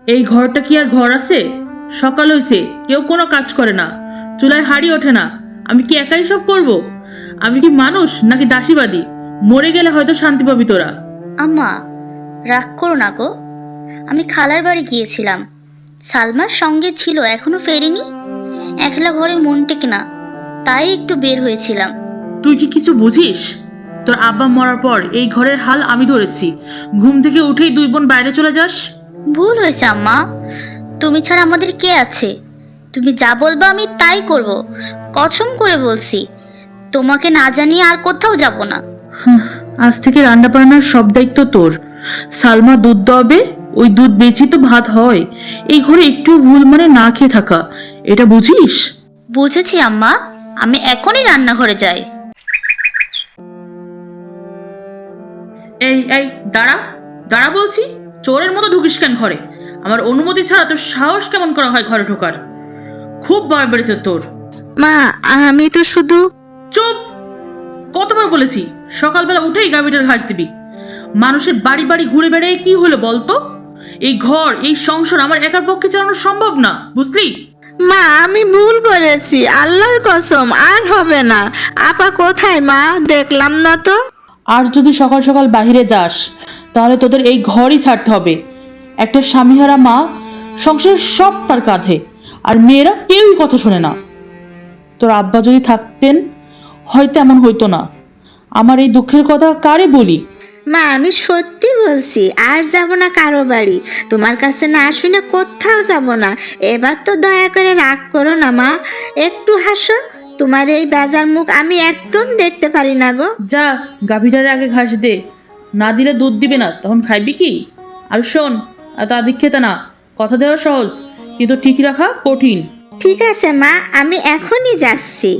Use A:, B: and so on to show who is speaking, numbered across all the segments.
A: এই ঘরটা কি আর ঘর আছে? সকাল হইছে, কেউ কোনো কাজ করে না, চুলায় হাঁড়ি ওঠে না। আমি কি একাই সব করব? আমি কি মানুষ নাকি দাসীবাদী? মরে গেলে হয়তো শান্তি পাবি তোরা।
B: আম্মা, রাগ করো না গো। আমি খালার বাড়ি গিয়েছিলাম, সালমার সঙ্গে ছিল, এখনো ফেরেনি। একলা ঘরে মন টেকে না, তাই একটু বের হয়েছিলাম।
A: তুই কি কিছু বুঝিস? তোর আব্বা মরার পর এই ঘরের হাল আমি ধরেছি। ঘুম থেকে উঠেই দুই বোন বাইরে চলে যাস।
B: ভুল হয়েছে আম্মা, তুমি ছাড়া আমাদের কে আছে? তুমি যা বলবা আমি তাই করব, কসম করে বলছি। তোমাকে না জানিয়ে আর কোথাও যাব না।
A: আজ থেকে রান্না বান্নার সব দায়িত্ব তোর। সালমা দুধ দেবে, ওই দুধ বেচি তো ভাত হয়। এই ঘরে একটু ভুল মানে না খেয়ে থাকা, এটা বুঝিস?
B: বুঝেছি আম্মা, আমি এখনই রান্নাঘরে যাই।
A: এই এই দাঁড়া, দাঁড়া বলছি। চোরের মতো ঢুকিস কেন ঘরে? আমার অনুমতি ছাড়া তোর সাহস কেমন করা হয় ঘরে ঢোকার? খুব ভয় বেড়েছে তোর।
C: মা, আমি তো শুধু...
A: চুপ! কতবার বলেছি সকালবেলা উঠেই গাভীটার ঘাস দিবি। মানুষের বাড়ি বাড়ি ঘুরে বেড়ায় কি হলো বলতো? এই ঘর, এই সংসার আমার একার পক্ষে চালানো সম্ভব না, বুঝলি?
C: মা, আমি ভুল করেছি, আল্লাহর কসম আর হবে না। আপা কোথায় মা? দেখলাম না তো।
A: আর যদি সকাল সকাল বাহিরে যাস তাহলে তোদের এই ঘরই ছাড়তে হবে। একটা স্বামীহারা মা, সংসার সব তার কাঁধে, আর মেয়েরা কেউই কথা শোনে না। তোর আব্বা যদি থাকতেন হয়তো এমন হইতো না। আমার এই দুঃখের কথা কারে বলি?
C: মা, আমি সত্যি বলছি, আর যাব না কারো বাড়ি। তোমার কাছে না শুনে কোথাও যাব না। এবার তো দয়া করে রাগ করো না মা, একটু হাসো। তোমার এই বেজার মুখ আমি একদম দেখতে পারি না গো।
A: যা, গাভীটার আগে ঘাস দে, না দিলে দুধ দিবে না, তখন খাইবি কি? আর শোন, এত আদিক্ষেতা না। কথা দেওয়া সহজ, কিন্তু ঠিক রাখা কঠিন।
C: ঠিক আছে মা, আমি এখনই যাচ্ছি।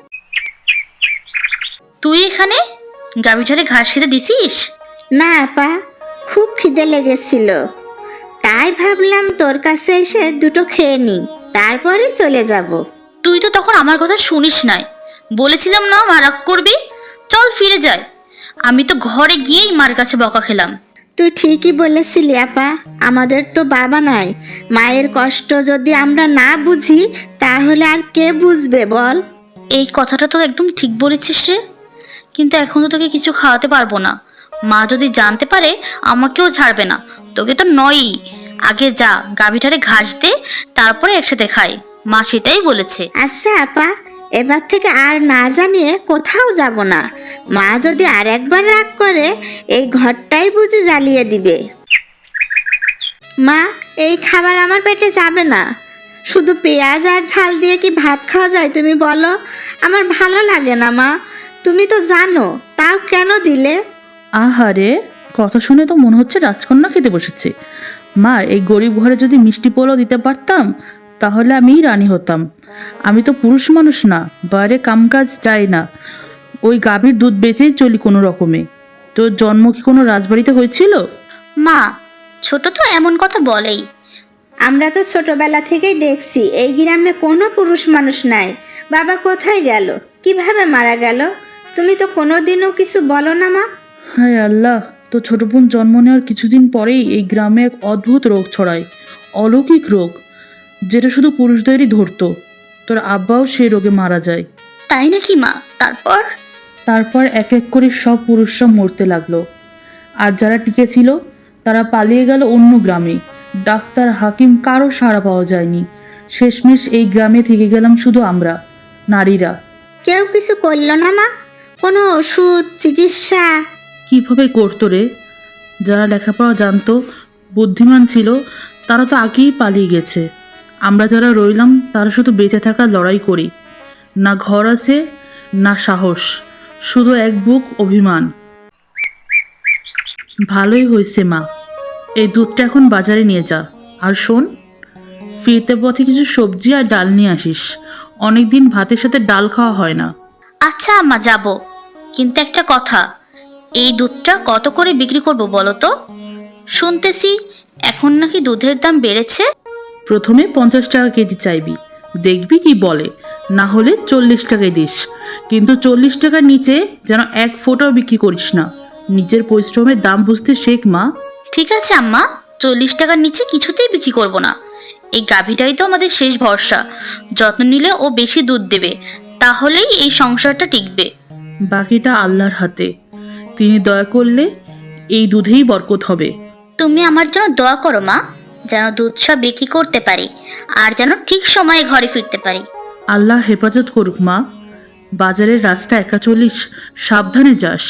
B: তুই এখানে গাভীটারে ঘাস খেতে দিছিস?
C: না আপা, খুব খিদে লেগেছিল, তাই ভাবলাম তোর কাছে এসে দুটো খেয়ে নি, তারপরে চলে যাব।
B: তুই তো তখন আমার কথা শুনিস নাই। বলেছিলাম না মা রাগ করবি, চল ফিরে যাই। আমি তো ঘরে গিয়েই মার কাছে বকা খেলাম।
C: তুই ঠিকই বলেছিলি আপা, আমাদের তো বাবা নাই। মায়ের কষ্ট যদি আমরা না বুঝি তাহলে আর কে বুঝবে বল?
B: এই কথাটা তো একদম ঠিক বলেছিস রে, কিন্তু এখন তো তোকে কিছু খাওয়াতে পারবো না। মা যদি জানতে পারে আমাকেও ছাড়বে না, তোকে তো নয়ই। আগে যা, গাভীটারে ঘাস দে, তারপরে একসাথে খাই। মা সেটাই বলেছে।
C: আচ্ছা আপা, এবার থেকে আর না জানিয়ে কোথাও যাব না। মা যদি আর একবার রাগ করে এই ঘরটাই বুঝি জ্বালিয়ে দিবে। মা, এই খাবার আমার পেটে যাবে না। শুধু পেঁয়াজ আর ঝাল দিয়ে কি ভাত খাওয়া যায় তুমি বলো? আমার ভালো লাগে না মা, তুমি তো জানো, তাও কেন দিলে?
A: আহারে, কথা শুনে তো মনে হচ্ছে রাজকন্যা খেতে বসেছে। মা, এই গরিব ঘরে যদি মিষ্টি পোলাও দিতে পারতাম তাহলে আমিই রানী হতাম। আমি তো পুরুষ মানুষ না, বাইরে কামকাজ যাই না, ওই গাভীর দুধ বেচেই চলি কোনো রকমে। তোর জন্ম কি কোনো রাজবাড়িতে হয়েছিল?
B: মা, ছোট তো এমন কথা বলেই।
C: আমরা তো ছোটবেলা থেকেই দেখছি এই গ্রামে কোনো পুরুষ মানুষ নাই। বাবা কোথায় গেল, কিভাবে মারা গেল, তুমি তো কোনোদিনও কিছু বলো না মা।
A: হায় আল্লাহ, তো ছোট বোন জন্ম নেওয়ার কিছুদিন পরেই এই গ্রামে এক অদ্ভুত রোগ ছড়ায়, অলৌকিক রোগ, যেটা শুধু পুরুষদেরই ধরতো। তোর আব্বাও সেই রোগে মারা যায়।
B: তাই নাকি মা?
A: তারপর এক এক করে সব পুরুষরা মরতে লাগলো, আর যারা টিকে ছিল তারা পালিয়ে গেল অন্য গ্রামে। ডাক্তার, হাকিম, কারো সাড়া পাওয়া যায়নি। শেষমেশ এই গ্রামে থেকে গেলাম শুধু আমরা, নারীরা।
C: কেউ কিছু করলো না মা? কোনো ওষুধ, চিকিৎসা?
A: কিভাবে করতো রে? যারা লেখাপড়া জানতো, বুদ্ধিমান ছিল, তারা তো আগেই পালিয়ে গেছে। আমরা যারা রইলাম তারা শুধু বেঁচে থাকার লড়াই করি। না ঘর আছে, না সাহস, শুধু এক বুক অভিমান। ভালোই হয়েছে মা, এই দুধটা এখন বাজারে নিয়ে যা। আর শোন, ফিরতে পথে কিছু সবজি আর ডাল নিয়ে আসিস। অনেকদিন ভাতের সাথে ডাল খাওয়া হয় না।
B: আচ্ছা আম্মা, যাব। কিন্তু একটা কথা, এই দুধটা কত করে বিক্রি করব বলো তো? শুনতেছি এখন নাকি দুধের দাম বেড়েছে।
A: প্রথমে 50 টাকা কেজি চাইবি, দেখবি কি বলে। না হলে 40 টাকায় দিস, কিন্তু 40 টাকার নিচে যেন এক ফোঁটাও বিক্রি করিস না। নিজের পরিশ্রমের দাম বুঝতে শেখ মা।
B: ঠিক আছে আম্মা, 40 টাকার নিচে কিছুতেই বিক্রি করব না। এই গাভীটাই তো আমাদের শেষ ভরসা। যত্ন নিলে ও বেশি দুধ দেবে, তাহলেই এই সংসারটা টিকবে।
A: বাকিটা আল্লাহর হাতে। তিনি দয়া করলে এই দুধেই বরকত হবে।
B: তুমি আমার জন্য দোয়া করো মা, যেন দুধ সব বিক্রি করতে পারি আর যেন ঠিক সময়ে ঘরে ফিরতে পারি।
A: আল্লাহ হেফাজত করুক মা। বাজারের রাস্তা একা চলিস, সাবধানে যাস।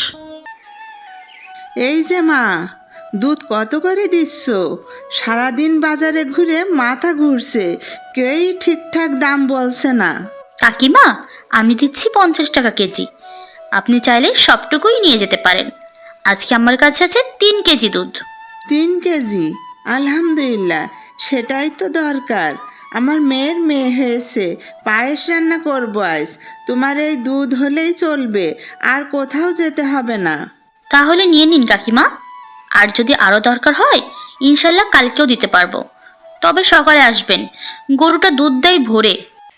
D: এই যে মা, দুধ কত করে দিচ্ছ? সারাদিন বাজারে ঘুরে মাথা ঘুরছে, কেউই ঠিকঠাক দাম বলছে না।
B: কাকিমা, আমি দিচ্ছি 50 টাকা কেজি। আপনি চাইলে সবটুকুই নিয়ে যেতে পারেন। আজকে আমার কাছে আছে 3 কেজি দুধ।
D: 3 কেজি? আলহামদুলিল্লাহ, সেটাই তো দরকার। আমার মেয়ের মেয়ে হয়েছে, পায়েস রান্না করবো আজ। তোমার এই দুধ হলেই চলবে, আর কোথাও যেতে হবে না।
B: তাহলে নিয়ে নিন কাকিমা। আর যদি আরও দরকার হয় ইনশাল্লাহ কালকেও দিতে পারবো। তবে সকালে আসবেন, গরুটা দুধ দেয় ভোরে।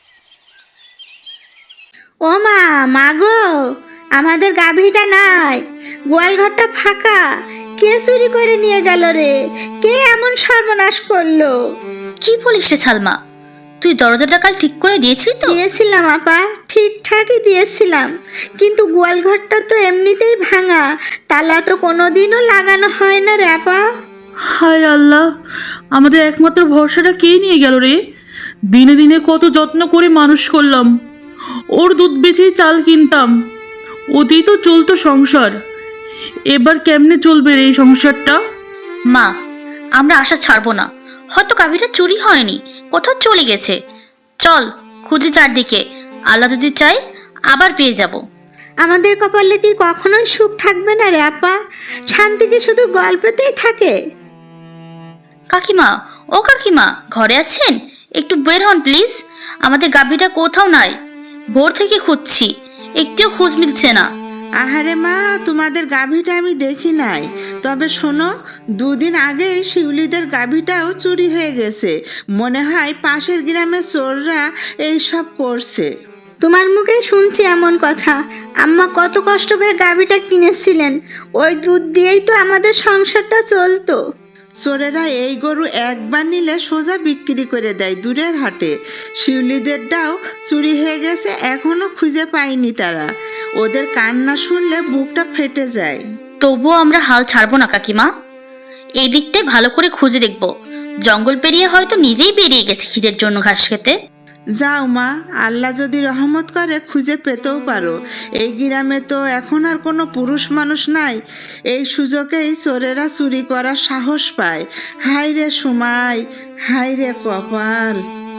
C: ও মা, মাগো, আমাদের গাভীটা নাই, গোয়াল ঘরটা ফাঁকা। কে চুরি করে নিয়ে গেল রে? কে এমন সর্বনাশ করলো?
B: কি বলিস রে সালমা, তুই দরজাটা কাল ঠিক করে দিয়েছিলি তো?
C: দিয়েছিলাম আপা, ঠিকঠাকই দিয়েছিলাম, কিন্তু গোয়াল ঘরটা তো এমনিতেই ভাঙা, তালা তো কোনোদিনও লাগানো হয় না রে আপা।
A: হায় আল্লাহ, আমাদের একমাত্র ভরসাটা কে নিয়ে গেল রে? দিনে দিনে কত যত্ন করে মানুষ করলাম, ওর দুধ বেচেই চাল কিনতাম, ওতেই তো চলতো সংসার। এবার কেমনে চলবে রে এই সংসারটা?
B: মা, আমরা আশা ছাড়বো না। হয়তো গাভীটা চুরি হয়নি, কোথাও চলে গেছে। চল খুঁজি চারদিকে, আল্লাহ যদি চাই আবার পেয়ে যাব।
C: আমাদের কপালে কি কখনোই সুখ থাকবে না রে আপা? শান্তি কি শুধু গল্পেতেই থাকে?
B: কাকিমা, ও কাকিমা, ঘরে আছেন? একটু বের হন প্লিজ। আমাদের গাভীটা কোথাও নাই, ভোর থেকে খুঁজছি, একটিও খোঁজ মিলছে না।
D: আহারে মা, তোমাদের গাভীটা আমি দেখি নাই। তবে শোনো, 2 দিন আগেই শিউলিদের গাভীটাও চুরি হয়ে গেছে। মনে হয় পাশের গ্রামের চোররা এই সব করছে।
C: তোমার মুখে শুনছি এমন কথা। আম্মা কত কষ্ট করে গাভীটা কিনেছিলেন, ওই দুধ দিয়েই তো আমাদের সংসারটা চলতো।
D: চোরেরা এই গরু একবার নিলে সোজা বিক্রি করে দেয় দূরের হাটে। শিউলিদেরটাও চুরি হয়ে গেছে, এখনো খুঁজে পায়নি তারা। ওদের কান্না শুনলে বুকটা ফেটে যায়।
B: তবুও আমরা হাল ছাড়বো না কাকিমা। এই দিকটাই ভালো করে খুঁজে দেখবো। জঙ্গল পেরিয়ে হয়তো নিজেই বেরিয়ে গেছে খিদের জন্য ঘাস খেতে।
D: যাও মা, আল্লাহ যদি রহমত করে খুঁজে পেতেও পারো। এই গ্রামে তো এখন আর কোনো পুরুষ মানুষ নাই, এই সুযোগেই চোরেরা চুরি করার সাহস পায়। হায় রে সুমাই, হায় রে কপাল।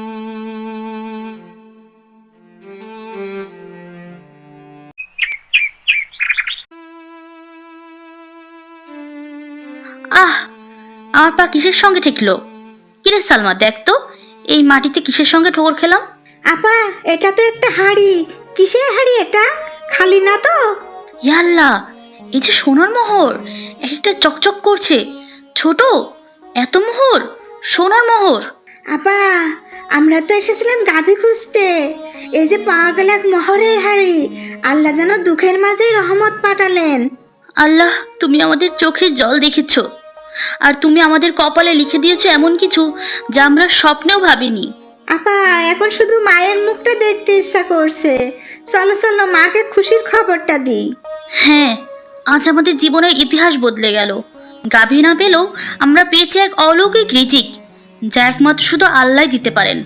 B: আহ, আমার পা কিসের সঙ্গে ঠেকলো? কিরে সালমা, দেখ তো এই মাটিতে কিসের সঙ্গে ঠোকর খেলাম।
C: আপা, এটা তো একটা হাড়ি। কিসের হাড়ি এটা? খালি না তো?
B: ইয়াল্লা, এই যে সোনার মোহর, এক একটা চকচক করছে। ছোট, এত মোহর, সোনার মোহর।
C: আপা, আমরা তো এসেছিলাম গাভী খুঁজতে, এই যে পাওয়া গেল এক মোহরের হাড়ি। আল্লাহ যেন দুঃখের মাঝেই রহমত পাঠালেন।
B: আল্লাহ, তুমি আমাদের চোখের জল দেখেছো, আর তুমি আমাদের কপালে লিখে দিয়েছো এমন কিছু যা আমরা স্বপ্নেও ভাবিনি।
C: আপা, এখন শুধু মায়ের মুখটা দেখতে ইচ্ছা করছে। চলো চলো, মাকে খুশির খবরটা দিই।
B: হ্যাঁ, আজ আমাদের জীবনের ইতিহাস বদলে গেল। গাভী না পেলেও আমরা পেয়েছি এক অলৌকিক রিজিক, যা একমাত্র শুধু আল্লাহ দিতে পারেন।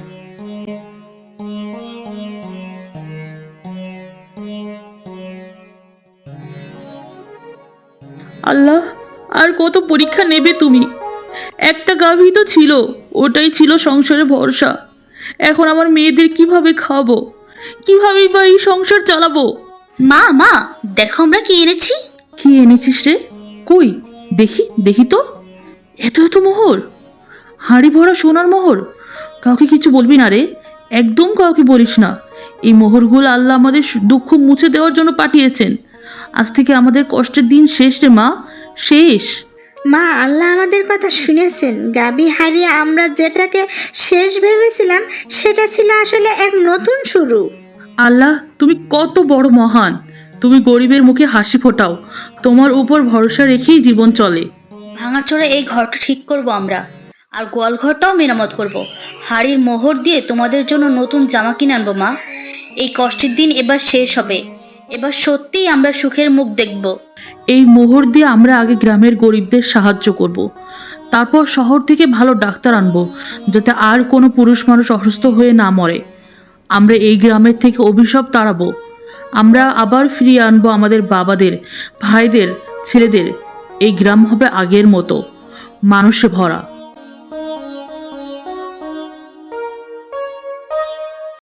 A: আল্লাহ, আর কত পরীক্ষা নেবে তুমি? একটা গাভী তো ছিল, ওটাই ছিল সংসারে ভরসা। এখন আমার মেয়েদের কিভাবে খাবো, কিভাবে বা এই সংসার চালাবো?
B: মা মা, দেখো আমরা কি এনেছি।
A: কি এনেছিস রে? কই দেখি, দেখি তো। এত এত মোহর, হাঁড়ি ভরা সোনার মোহর। কাউকে কিছু বলবি না রে, একদম কাউকে বলিস না। এই মোহরগুলো আল্লাহ আমাদের দুঃখ মুছে দেওয়ার জন্য পাঠিয়েছেন। আজ থেকে আমাদের কষ্টের দিন শেষ রে মা, শেষ।
C: মা, আল্লাহ আমাদের কথা শুনেছেন। গাভী হারিয়ে আমরা যেটাকে শেষ ভেবেছিলাম, সেটা ছিল আসলে এক নতুন শুরু।
A: আল্লাহ, তুমি কত বড় মহান। তুমি গরিবের মুখে হাসি ফোটাও, তোমার উপর ভরসা রেখেই জীবন চলে।
B: ভাঙাচোরা এই ঘরটা ঠিক করব আমরা, আর গোয়াল ঘরটাও মেরামত করব। হাড়ির মোহর দিয়ে তোমাদের জন্য নতুন জামা কিনে আনবো মা। এই কষ্টের দিন এবার শেষ হবে, এবার সত্যিই আমরা সুখের মুখ দেখব।
A: এই মোহর দিয়ে আমরা আগে গ্রামের গরিবদের সাহায্য করব। তারপর শহর থেকে ভালো ডাক্তার আনবো, যাতে আর কোনো পুরুষ মানুষ অসুস্থ হয়ে না মরে। আমরা এই গ্রামের থেকে অভিশাপ তাড়াবো। আমরা আবার ফিরিয়ে আনবো আমাদের বাবাদের, ভাইদের, ছেলেদের। এই গ্রাম হবে আগের মতো মানুষে ভরা।